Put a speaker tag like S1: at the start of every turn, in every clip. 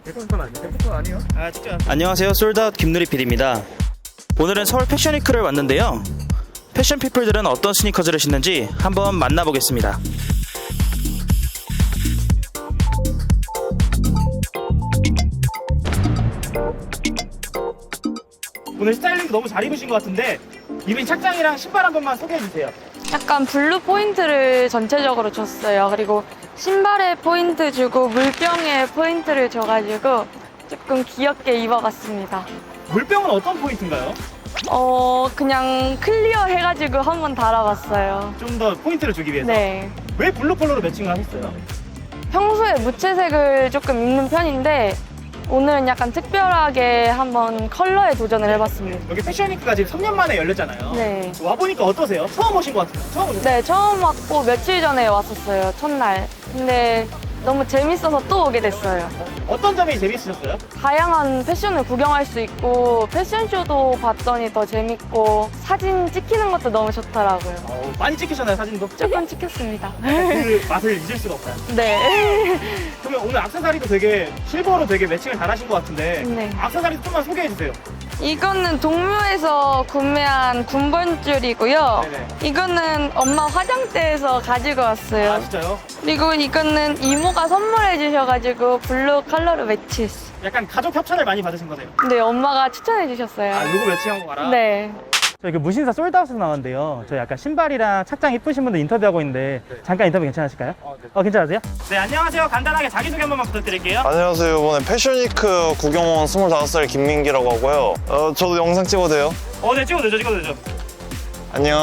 S1: 안녕하세요, 솔드아웃 김누리 PD입니다. 오늘은 서울 패션위크를 왔는데요. 패션 피플들은 어떤 스니커즈를 신는지 한번 만나보겠습니다. 오늘 스타일링도 너무 잘 입으신 것 같은데 입은 착장이랑 신발 한 번만 소개해주세요.
S2: 약간 블루 포인트를 전체적으로 줬어요. 그리고 신발에 포인트 주고 물병에 포인트를 줘가지고 조금 귀엽게 입어봤습니다.
S1: 물병은 어떤 포인트인가요?
S2: 그냥 클리어 해가지고 한번 달아봤어요.
S1: 좀 더 포인트를 주기 위해서.
S2: 네.
S1: 왜 블루 컬러로 매칭을 하셨어요?
S2: 평소에 무채색을 조금 입는 편인데 오늘은 약간 특별하게 한번 컬러에 도전을 해봤습니다.
S1: 여기 패션위크가 지금 3년 만에 열렸잖아요.
S2: 네.
S1: 와보니까 어떠세요? 처음 오신 것 같아요. 처음 오신
S2: 네, 처음 왔고 며칠 전에 왔었어요. 첫날. 근데 너무 재밌어서 또 오게 됐어요.
S1: 어떤 점이 재밌으셨어요?
S2: 다양한 패션을 구경할 수 있고 패션쇼도 봤더니 더 재밌고 사진 찍히는 것도 너무 좋더라고요.
S1: 많이 찍히셨나요, 사진도?
S2: 조금 찍혔습니다.
S1: 그 맛을 잊을 수가 없어요.
S2: 네.
S1: 그러면 오늘 액세서리도 되게 실버로 되게 매칭을 잘하신 것 같은데
S2: 네.
S1: 액세서리 좀만 소개해주세요.
S2: 이거는 동묘에서 구매한 군번줄이고요.
S1: 네네.
S2: 이거는 엄마 화장대에서 가지고 왔어요.
S1: 아, 진짜요?
S2: 그리고 이거는 이모가 선물해 주셔가지고 블루 컬러로 매치했어요.
S1: 약간 가족 협찬을 많이 받으신 거네요.
S2: 네, 엄마가 추천해 주셨어요.
S1: 요거 매칭하고 가라?
S2: 네.
S3: 저희 그 무신사 솔드아웃에서 나왔는데요. 저희 약간 신발이랑 착장 이쁘신 분들 인터뷰하고 있는데 잠깐 인터뷰 괜찮으실까요? 네. 괜찮으세요?
S1: 네, 안녕하세요. 간단하게 자기소개 한 번만 부탁드릴게요.
S4: 안녕하세요. 이번에 패션위크 구경 온 25살 김민기라고 하고요. 저도 영상 찍어도 돼요?
S1: 네, 찍어도 되죠.
S4: 안녕.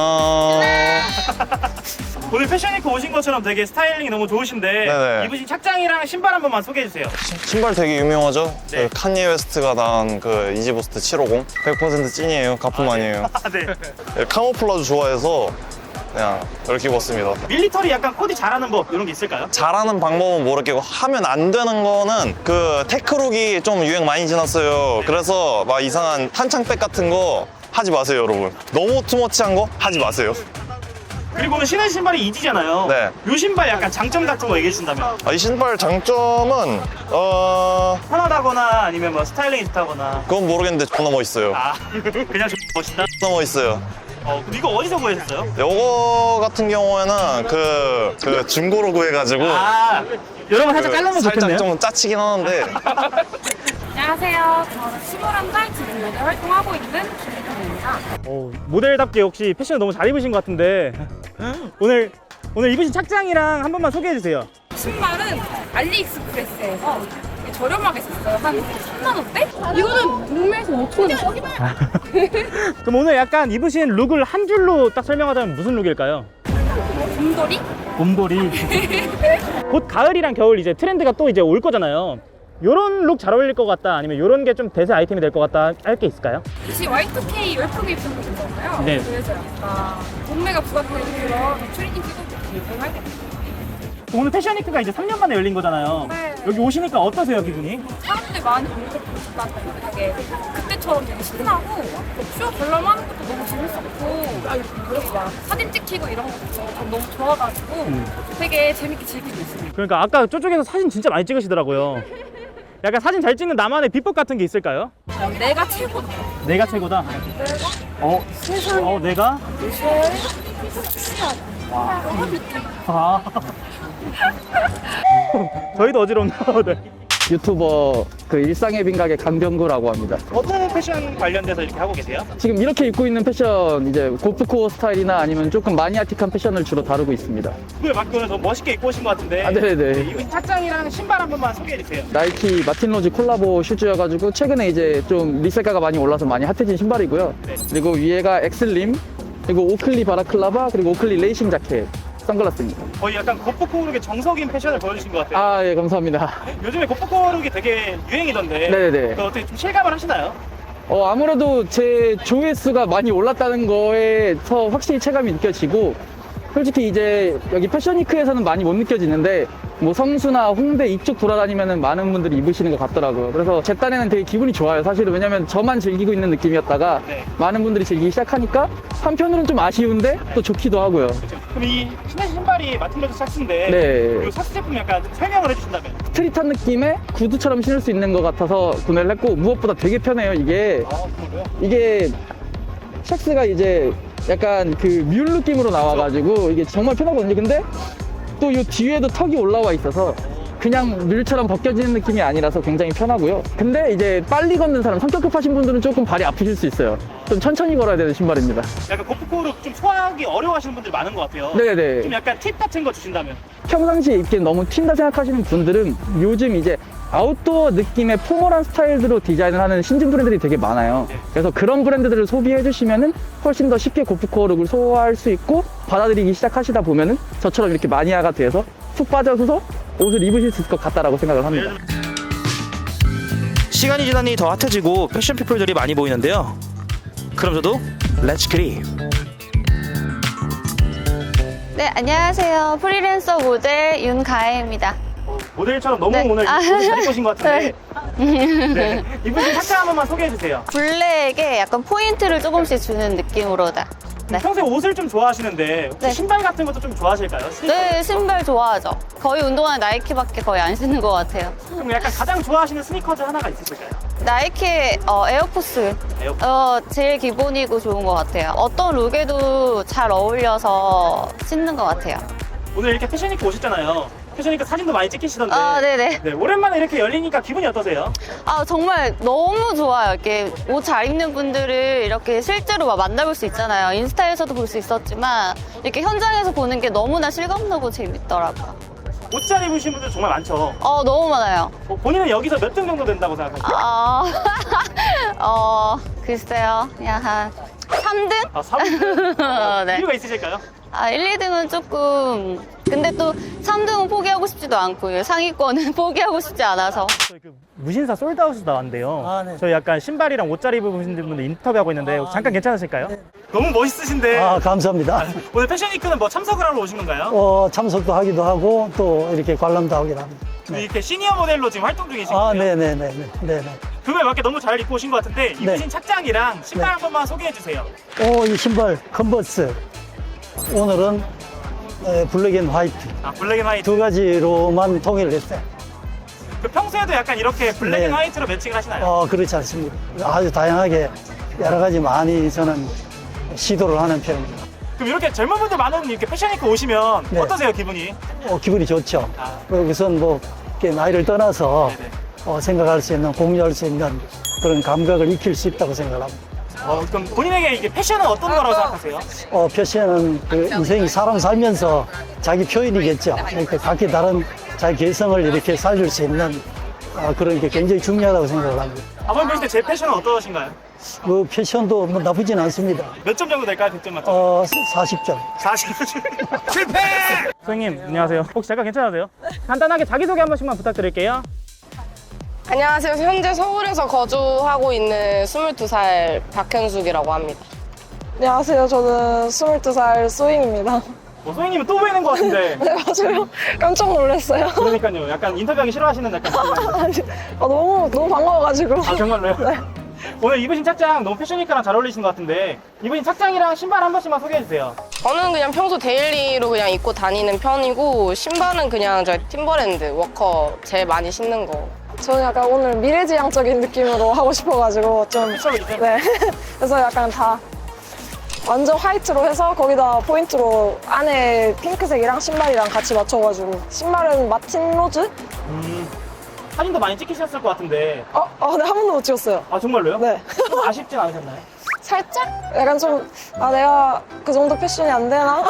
S1: 오늘 패션위크 오신 것처럼 되게 스타일링이 너무 좋으신데
S4: 네네.
S1: 입으신 착장이랑 신발 한 번만 소개해주세요.
S4: 신발 되게 유명하죠?
S1: 네.
S4: 그 카니에 웨스트가 나온 그 이지부스트 750. 100% 찐이에요. 가품 아니에요.
S1: 네.
S4: 네, 카모플라주 좋아해서 그냥 이렇게 입었습니다.
S1: 밀리터리 약간 코디 잘하는 법 이런 게 있을까요?
S4: 잘하는 방법은 모르겠고 하면 안 되는 거는 그 테크룩이 좀 유행 많이 지났어요. 그래서 막 이상한 탄창백 같은 거 하지 마세요, 여러분. 너무 투머치한 거 하지 마세요.
S1: 그리고 오늘 신은 신발이 이지잖아요.
S4: 네.
S1: 요 신발 약간 장점 같은 거 얘기해 주신다면?
S4: 이 신발 장점은
S1: 편하다거나 아니면 뭐 스타일링이 좋다거나.
S4: 그건 모르겠는데 존나 멋있어요.
S1: 그냥 멋있다.
S4: 존나 멋있어요.
S1: 근데 이거 어디서 구하셨어요?
S4: 요거 같은 경우에는 그 중고로 구해가지고
S1: 여러분 살짝 잘라면
S4: 살짝
S1: 좋겠네요.
S4: 좀 짜치긴 하는데
S5: 안녕하세요. 저는 21살 지금 모델 활동하고 있는 김혜정입니다.
S3: 모델답게 역시 패션을 너무 잘 입으신 것 같은데 오늘 입으신 착장이랑 한 번만 소개해 주세요.
S5: 신발은 알리익스프레스에서 저렴하게 샀어요. 한 3만 원대? 이거는 동네에서 5천 원.
S3: 그럼 오늘 약간 입으신 룩을 한 줄로 딱 설명하자면 무슨 룩일까요?
S5: 곰돌이?
S3: 곰돌이. 곧 가을이랑 겨울 이제 트렌드가 또 이제 올 거잖아요. 요런 룩 잘 어울릴 것 같다 아니면 요런 게 좀 대세 아이템이 될 것 같다 할 게 있을까요?
S5: 혹시 Y2K 열풍이 있었던 거잖아요.
S3: 네.
S5: 그래서 약간 동네가 부각되는 그런 트레이닝 찍어주고 유행할 때
S3: 오늘 패션위크가 이제 3년 만에 열린 거잖아요.
S5: 네.
S3: 여기 오시니까 어떠세요, 기분이?
S5: 사람들이 많이 오는 걸 보니까 되게 그때처럼 되게 신나고 쇼 관람하는 것도 너무 재밌었고 그리고 막 사진 찍히고 이런 것도 전 너무 좋아가지고 되게 재밌게 즐기고 있습니다.
S3: 그러니까 아까 저쪽에서 사진 진짜 많이 찍으시더라고요. 약간 사진 잘 찍는 나만의 비법 같은 게 있을까요?
S5: 내가 최고다.
S3: 내가 최고다. 내가? 아. 저희도 어지럽네요. 네.
S6: 유튜버 그 일상의 빈각의 강병구라고 합니다.
S1: 어떤 패션 관련돼서 이렇게 하고 계세요?
S6: 지금 이렇게 입고 있는 패션 이제 고프코어 스타일이나 아니면 조금 마니아틱한 패션을 주로 다루고 있습니다.
S1: 그에 맞게 오늘 너무 멋있게 입고 오신 것 같은데
S6: 네네.
S1: 입으신 착장이랑 신발 한 번만 소개해 주세요.
S6: 나이키 마틴 로즈 콜라보 슈즈여가지고 최근에 이제 좀 리셀가가 많이 올라서 많이 핫해진 신발이고요. 그리고 위에가 엑슬림, 그리고 오클리 바라클라바, 그리고 오클리 레이싱 자켓, 선글라스입니다.
S1: 거의 약간 고프코르의 정석인 패션을 보여주신 것 같아요.
S6: 예, 감사합니다.
S1: 요즘에 고프코르이 되게 유행이던데
S6: 네네네.
S1: 어떻게 좀 실감을 하시나요?
S6: 아무래도 제 조회수가 많이 올랐다는 거에서 확실히 체감이 느껴지고, 솔직히 이제 여기 패션위크에서는 많이 못 느껴지는데 뭐 성수나 홍대 이쪽 돌아다니면은 많은 분들이 입으시는 것 같더라고요. 그래서 제 딴에는 되게 기분이 좋아요. 사실은 왜냐면 저만 즐기고 있는 느낌이었다가
S3: 네.
S6: 많은 분들이 즐기기 시작하니까 한편으로는 좀 아쉬운데 또 좋기도 하고요.
S3: 그럼 이 신으신 신발이 마틴로드 샥스인데
S6: 네.
S3: 이 샥스 제품 약간 설명을 해주신다면?
S6: 스트릿한 느낌의 구두처럼 신을 수 있는 것 같아서 구매를 했고 무엇보다 되게 편해요. 이게
S3: 정말요?
S6: 이게 샥스가 이제 약간 그 뮬 느낌으로 나와가지고 이게 정말 편하거든요. 근데 또 이 뒤에도 턱이 올라와 있어서 그냥 뮬처럼 벗겨지는 느낌이 아니라서 굉장히 편하고요. 근데 이제 빨리 걷는 사람, 성격 급하신 분들은 조금 발이 아프실 수 있어요. 좀 천천히 걸어야 되는 신발입니다.
S3: 약간 고프코를 좀 소화하기 어려워하시는 분들이 많은 것 같아요.
S6: 네네.
S3: 좀 약간 팁 같은 거 주신다면?
S6: 평상시에 입기엔 너무 튄다 생각하시는 분들은 요즘 이제 아웃도어 느낌의 포멀한 스타일로 디자인을 하는 신진 브랜드들이 되게 많아요. 그래서 그런 브랜드들을 소비해 주시면은 훨씬 더 쉽게 고프코어 룩을 소화할 수 있고 받아들이기 시작하시다 보면은 저처럼 이렇게 마니아가 돼서 푹 빠져서 옷을 입으실 수 있을 것 같다라고 생각을 합니다.
S1: 시간이 지나니 더 핫해지고 패션 피플들이 많이 보이는데요. 그럼 저도 렛츠 그립.
S7: 네, 안녕하세요. 프리랜서 모델 윤가혜입니다.
S3: 모델처럼 너무
S7: 네.
S3: 오늘
S7: 아.
S3: 옷을 잘 입으신 것 같은데. 네. 입으신 착장 한 번만 소개해 주세요.
S7: 블랙에 약간 포인트를 조금씩 주는 느낌으로다. 네.
S3: 평소에 옷을 좀 좋아하시는데 혹시
S7: 네.
S3: 신발 같은 것도 좀 좋아하실까요?
S7: 네, 신발 좋아하죠. 거의 운동화는 나이키밖에 거의 안 신는 것 같아요.
S3: 그럼 약간 가장 좋아하시는 스니커즈 하나가 있으실까요?
S7: 나이키의 에어포스. 제일 기본이고 좋은 것 같아요. 어떤 룩에도 잘 어울려서 신는 것 같아요.
S3: 오늘 이렇게 패션위크 오셨잖아요. 패션위크 사진도 많이 찍히시던데.
S7: 아, 네네.
S3: 네, 오랜만에 이렇게 열리니까 기분이 어떠세요?
S7: 아, 정말 너무 좋아요. 이렇게 옷 잘 입는 분들을 이렇게 실제로 막 만나볼 수 있잖아요. 인스타에서도 볼 수 있었지만 이렇게 현장에서 보는 게 너무나 실감나고 재밌더라고요.
S3: 옷 잘 입으신 분들 정말 많죠.
S7: 너무 많아요.
S3: 본인은 여기서 몇 등 정도 된다고 생각하세요?
S7: 글쎄요. 그냥 한 3등?
S3: 아, 3등?
S7: 네.
S3: 이유가 있으실까요?
S7: 1, 2등은 조금. 근데 또 3등은 포기하고 싶지도 않고요. 상위권은 포기하고 싶지 않아서.
S3: 저희 그 무신사 솔드아웃에서 나왔는데요.
S8: 아, 네.
S3: 저희 약간 신발이랑 옷 잘 입으신 분들 인터뷰하고 있는데 잠깐 괜찮으실까요? 너무 멋있으신데
S8: 아, 감사합니다.
S3: 오늘 패션위크는 뭐 참석을 하러 오신 건가요?
S8: 참석도 하기도 하고 또 이렇게 관람도 하기도 합니다.
S3: 이렇게 시니어 모델로 지금 활동 중이신
S8: 아,
S3: 거예요?
S8: 네네.
S3: 그거에 맞게 너무 잘 입고 오신 것 같은데 입으신
S8: 네.
S3: 착장이랑 신발
S8: 네.
S3: 한 번만 소개해 주세요.
S8: 이 신발 컨버스. 오늘은 블랙 앤 화이트
S3: 블랙 앤 화이트.
S8: 두 가지로만 통일을 했어요.
S3: 그 평소에도 약간 이렇게 블랙
S8: 네.
S3: 앤 화이트로 매칭을 하시나요?
S8: 그렇지 않습니다. 아주 다양하게 여러 가지 많이 저는 시도를 하는 편입니다.
S3: 그럼 이렇게 젊은 분들 많은 이렇게 패션위크 오시면
S8: 네.
S3: 어떠세요 기분이?
S8: 기분이 좋죠.
S3: 아.
S8: 우선 뭐 이렇게 나이를 떠나서
S3: 네네.
S8: 생각할 수 있는, 공유할 수 있는 그런 감각을 익힐 수 있다고 생각합니다.
S3: 그럼 본인에게 이게 패션은 어떤 거라고 생각하세요?
S8: 패션은 그 인생이 사람 살면서 자기 표현이겠죠. 그러니까 각기 다른 자기 개성을 이렇게 살릴 수 있는 그런 게 굉장히 중요하다고 생각을 합니다.
S3: 아버님 보실 때 제 패션은 어떠신가요?
S8: 그 패션도 뭐 나쁘진 않습니다.
S3: 몇 점 정도 될까요? 100점 만점?
S8: 40점.
S3: 40점. 실패! 선생님 안녕하세요. 혹시 잠깐 괜찮으세요? 간단하게 자기소개 한 번씩만 부탁드릴게요.
S9: 안녕하세요. 현재 서울에서 거주하고 있는 22살 박현숙이라고 합니다.
S2: 안녕하세요. 저는 22살 소잉입니다.
S3: 선생님은 또 보이는 것 같은데.
S2: 네, 맞아요. 깜짝 놀랐어요.
S3: 그러니까요. 약간 인터뷰하기 싫어하시는 약간.
S2: 너무 반가워가지고.
S3: 아 정말로요?
S2: 네.
S3: 오늘 입으신 착장 너무 패션위크랑 잘 어울리시는 것 같은데 입으신 착장이랑 신발 한 번씩만 소개해 주세요.
S9: 저는 그냥 평소 데일리로 그냥 입고 다니는 편이고 신발은 그냥 저 팀버랜드 워커 제일 많이 신는 거.
S2: 저는 약간 오늘 미래지향적인 느낌으로 하고 싶어가지고 좀. 네. 그래서 약간 다 완전 화이트로 해서 거기다 포인트로 안에 핑크색이랑 신발이랑 같이 맞춰가지고. 신발은 마틴 로즈?
S3: 사진도 많이 찍히셨을 것 같은데.
S2: 네, 한 번도 못 찍었어요.
S3: 아 정말로요?
S2: 네.
S3: 좀 아쉽진 않으셨나요?
S2: 살짝? 약간 좀, 내가 그 정도 패션이 안 되나?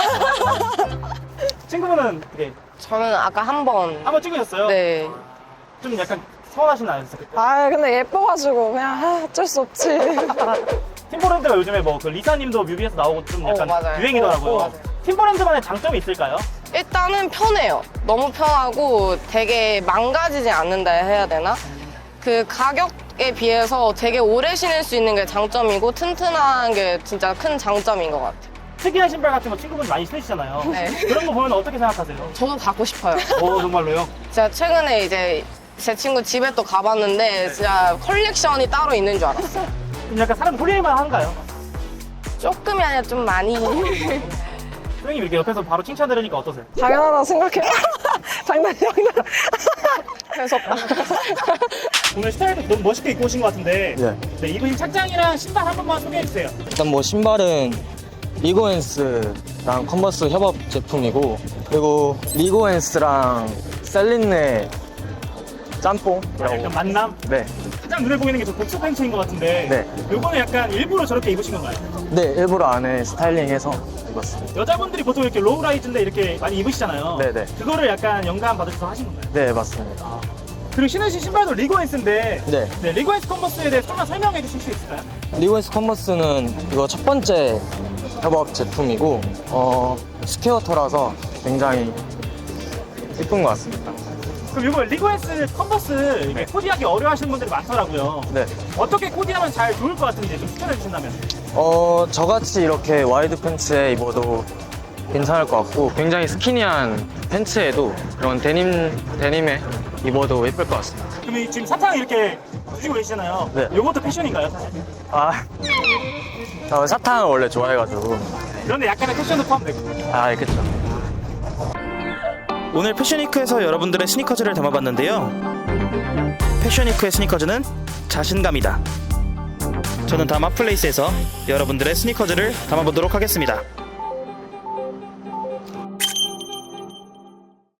S3: 친구분은 어떻게
S9: 저는 아까 한 번.
S3: 한번 찍으셨어요?
S9: 네.
S3: 좀 약간 서운하신 않으셨어요? 그때?
S2: 근데 예뻐가지고 그냥 어쩔 수 없지.
S3: 팀버랜드가 요즘에 뭐 그 리사님도 뮤비에서 나오고 좀 약간
S9: 맞아요.
S3: 유행이더라고요.
S9: 맞아요.
S3: 팀버랜드만의 장점이 있을까요?
S9: 일단은 편해요. 너무 편하고 되게 망가지지 않는다 해야 되나? 그 가격에 비해서 되게 오래 신을 수 있는 게 장점이고 튼튼한 게 진짜 큰 장점인 것 같아요.
S3: 특이한 신발 같은 거 친구분이 많이 신으시잖아요.
S9: 네.
S3: 그런 거 보면 어떻게 생각하세요?
S9: 저도 갖고 싶어요.
S3: 정말로요?
S9: 제가 최근에 이제 제 친구 집에 또 가봤는데 진짜 컬렉션이 따로 있는 줄 알았어요.
S3: 좀 약간 사람 소리만 한가요?
S9: 조금이 아니라 좀 많이.
S3: 선생님 이렇게 옆에서 바로 칭찬 들으니까 어떠세요?
S2: 당연하다 생각해요. 장난이야.
S9: 해석다.
S3: 오늘 스타일도 너무 멋있게 입고 오신 것 같은데
S10: 네.
S3: 입으신 착장이랑 신발 한 번만 소개해 주세요.
S10: 일단 뭐 신발은 리고엔스랑 컨버스 협업 제품이고, 그리고 리고엔스랑 셀린네 짬뽕이라고.
S3: 약간 만남?
S10: 네.
S3: 가장 눈에 보이는 게 저 복수 팬츠인 것 같은데
S10: 네.
S3: 요거는 약간 일부러 저렇게 입으신 건가요?
S10: 네, 일부러 안에 스타일링해서 입었습니다.
S3: 여자분들이 보통 이렇게 로우라이즈인데 이렇게 많이 입으시잖아요.
S10: 네네.
S3: 그거를 약간 영감 받으셔서 하신 건가요?
S10: 네, 맞습니다.
S3: 그리고 신으신 신발도 리고엔스인데
S10: 네.
S3: 리고엔스 컨버스에 대해서 조금만 설명해 주실 수 있을까요?
S10: 리고엔스 컨버스는 이거 첫 번째 협업 제품이고, 스퀘어터라서 굉장히 예쁜 것 같습니다.
S3: 그럼 이거 리고엔스 컨버스 이게 코디하기 어려워하시는 분들이 많더라고요.
S10: 네.
S3: 어떻게 코디하면 잘 좋을 것 같은지 좀 추천해 주신다면.
S10: 저같이 이렇게 와이드 팬츠에 입어도 괜찮을 것 같고, 굉장히 스키니한 팬츠에도 그런 데님에 입어도 예쁠 것 같습니다.
S3: 그럼 이 지금 사탕 이렇게 드시고 계시잖아요.
S10: 네.
S3: 요것도 패션인가요, 사실?
S10: 사탕을 원래 좋아해가지고.
S3: 그런데 약간의 패션도 포함되고.
S10: 그쵸.
S1: 오늘 패션위크에서 여러분들의 스니커즈를 담아봤는데요. 패션위크의 스니커즈는 자신감이다. 저는 다음 핫플레이스에서 여러분들의 스니커즈를 담아보도록 하겠습니다.